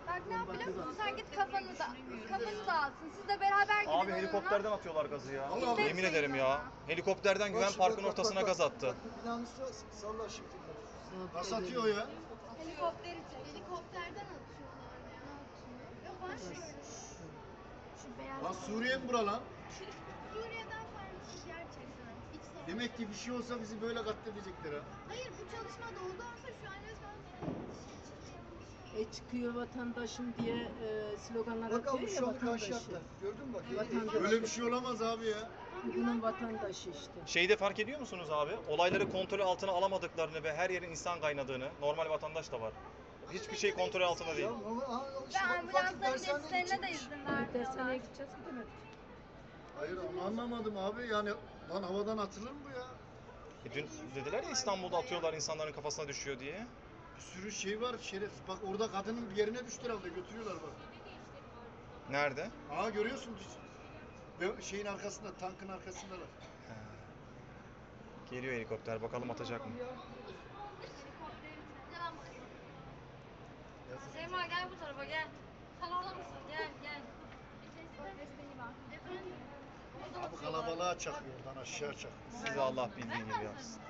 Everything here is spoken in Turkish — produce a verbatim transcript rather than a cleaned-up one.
Bak ne yapıyor musun? Sen git kafanı da kafanı dağıtsın. Siz de beraber gidin. Abi helikopterden atıyorlar gazı ya. Allah Yemin ederim ya. Helikopterden Güven Parkı'nın ortasına gaz attı. Binanın üstüne salla şimdi. Nasıl atıyor ya? Helikopteri çek. Helikopterden atıyorlar ya. Yok ben şöyle. Şu beyaz. Lan Suriye mi bura lan? Suriye'den farklı gerçekten. İç savaş. Demek ki bir şey olsa bizi böyle katledecekler ha. Hayır bu çalışma doğuda olsa şu an resmen E çıkıyor vatandaşım diye e, sloganlar Bak atıyor abi ya şu an karşı vatandaşı. yaptılar. Gördün mü bak? Vatandaş. Böyle bir şey olamaz abi ya. Bunun vatandaşı işte. Şeyde fark ediyor musunuz abi? Olayları kontrol altına alamadıklarını ve her yerin insan kaynadığını. Normal vatandaş da var. Hiçbir şey kontrol altında değil. Ya ama aha, işte ve bak, ufak ambulansların dershaneye geçişlerine de gidecekmiş. izin Dershaneye vermiyorlar. gideceğiz gidemedik. Hayır ama anlamadım abi yani lan havadan atılır mı bu ya? E dün dediler ya İstanbul'da atıyorlar insanların kafasına düşüyor diye. Bir sürü şey var şeref. Bak orada kadının bir yerine düştü herhalde götürüyorlar bak. Nerede? Aa görüyorsun ve şeyin arkasında tankın arkasındalar. He. Geliyor helikopter. Bakalım atacak mı? Şeyma gel bu tarafa gel. Sen orada mısın? Gel gel. Abi kalabalığa çakıyor oradan aşağı çakıyor. Size Allah bildiği gibi yapsın.